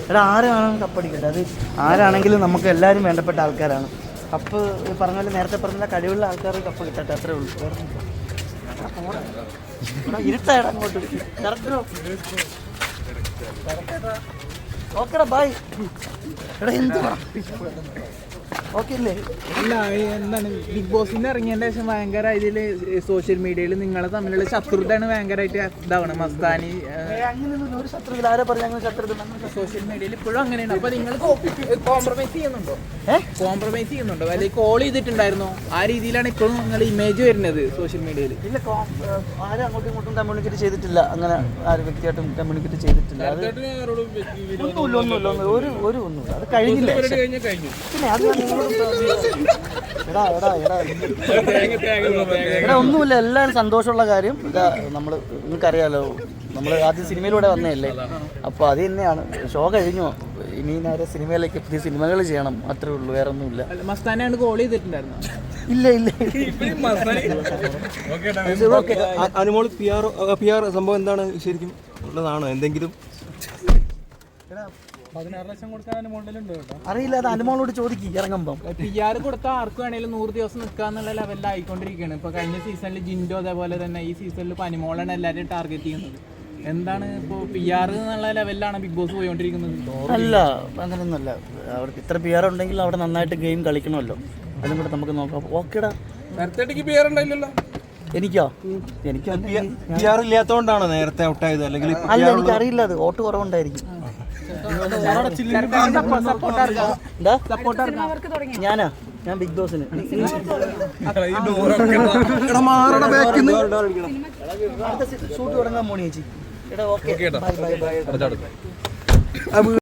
എടാ ആരാണെങ്കിലും കപ്പടിക്കട്ടെ, അത് ആരാണെങ്കിലും നമുക്ക് എല്ലാവരും വേണ്ടപ്പെട്ട ആൾക്കാരാണ്. കപ്പ് പറഞ്ഞ പോലെ നേരത്തെ പറഞ്ഞ കഴിവുള്ള ആൾക്കാർ കപ്പ് കിട്ടട്ടെ, അത്രേ ഉള്ളൂ. ഇരുട്ടായിടാ അങ്ങോട്ട്. ഓക്കെടാ ബൈ. എടാ എന്തുവാ ഓക്കെ അല്ലേ? അല്ല എന്താണ് ബിഗ് ബോസിന് ഇറങ്ങിയതിന് ശേഷം ഭയങ്കര ഇതിൽ സോഷ്യൽ മീഡിയയിൽ നിങ്ങളെ തമ്മിലുള്ള ശത്രുതയാണ് ഭയങ്കരമായിട്ട് ഇതാവണം. മസ്താനി അങ്ങനെയൊന്നും ഒരു ശത്രുത ആരാ പറഞ്ഞ അങ്ങനെ ശത്രുത? സോഷ്യൽ മീഡിയയിൽ ഇപ്പോഴും അങ്ങനെയാണ്. അപ്പൊ നിങ്ങൾ കോംപ്രമൈസ് ചെയ്യുന്നുണ്ടോ? കോംപ്രമൈസ് ചെയ്യുന്നുണ്ടോ? അല്ലെങ്കിൽ കോൾ ചെയ്തിട്ടുണ്ടായിരുന്നോ? ആ രീതിയിലാണ് ഇപ്പോഴും നിങ്ങൾ ഇമേജ് വരുന്നത് സോഷ്യൽ മീഡിയയിൽ. ഇല്ല, ആരും അങ്ങോട്ടും ഇങ്ങോട്ടും കമ്മ്യൂണിക്കേറ്റ് ചെയ്തിട്ടില്ല. അങ്ങനെ ആരും വ്യക്തിയായിട്ടും കമ്മ്യൂണിക്കേറ്റ് ചെയ്തിട്ടില്ല. ഒന്നുമില്ല, ഒന്നുമില്ല. അത് കഴിഞ്ഞില്ല. പിന്നെ അത് എടാ ഒന്നുമില്ല, എല്ലാവരും സന്തോഷമുള്ള കാര്യം. ഇതാ നമ്മൾ നിങ്ങൾക്കറിയാലോ, നമ്മൾ ആദ്യം സിനിമയിലൂടെ വന്നതല്ലേ, അപ്പോൾ അത് തന്നെയാണ്. ഷോ കഴിഞ്ഞു, ഇനി നേരെ സിനിമയിലേക്ക് പുതിയ സിനിമകൾ ചെയ്യണം, അത്രേ ഉള്ളൂ, വേറെ ഒന്നുമില്ല. മസ്താനാണ് കോൾ ചെയ്തിട്ടുണ്ടായിരുന്നു? ഇല്ല. അനുമോൾ പി ആർ സംഭവം എന്താണ്, ശരിക്കും ഉള്ളതാണോ എന്തെങ്കിലും? 16 ലക്ഷം കൊടുക്കാൻ അനുമോളിലുണ്ട് കേട്ടോ. അറിയില്ല, അത് അനുമോളോട് ചോദിക്കും ഇറങ്ങുമ്പം. PR കൊടുത്താൽ ആർക്ക് വേണേലും 100 ദിവസം നിൽക്കാന്നുള്ള ലെവലിലായിക്കൊണ്ടിരിക്കുകയാണ്. ഇപ്പൊ കഴിഞ്ഞ സീസണിൽ ജിൻഡോ, അതേപോലെ തന്നെ ഈ സീസണിൽ ഇപ്പൊ അനുമോളാണ് എല്ലാവരും ടാർഗറ്റ് ചെയ്യുന്നത്. എന്താണ് ഇപ്പോൾ PR എന്നുള്ള ലെവലിലാണ് ബിഗ് ബോസ് പോയിക്കൊണ്ടിരിക്കുന്നത്? അല്ല, അങ്ങനെയൊന്നുമല്ല. അവർക്ക് ഇത്ര PR ഉണ്ടെങ്കിൽ അവിടെ നന്നായിട്ട് ഗെയിം കളിക്കണമല്ലോ, അതും കൂടെ നമുക്ക് നോക്കാം. ഓക്കേടാ. എനിക്കോ? എനിക്ക് PR ഇല്ലാത്തതുകൊണ്ടാണോ നേരത്തെ ഔട്ടായത്? അല്ലെങ്കിൽ അല്ല, എനിക്കറിയില്ല, അത് വോട്ട് കുറവുണ്ടായിരിക്കും. ഞാൻ ബിഗ് ബോസിന് ഷൂട്ട് തുടങ്ങാൻ പോണി ചേച്ചി. എടാ ഓക്കെ, ബൈ.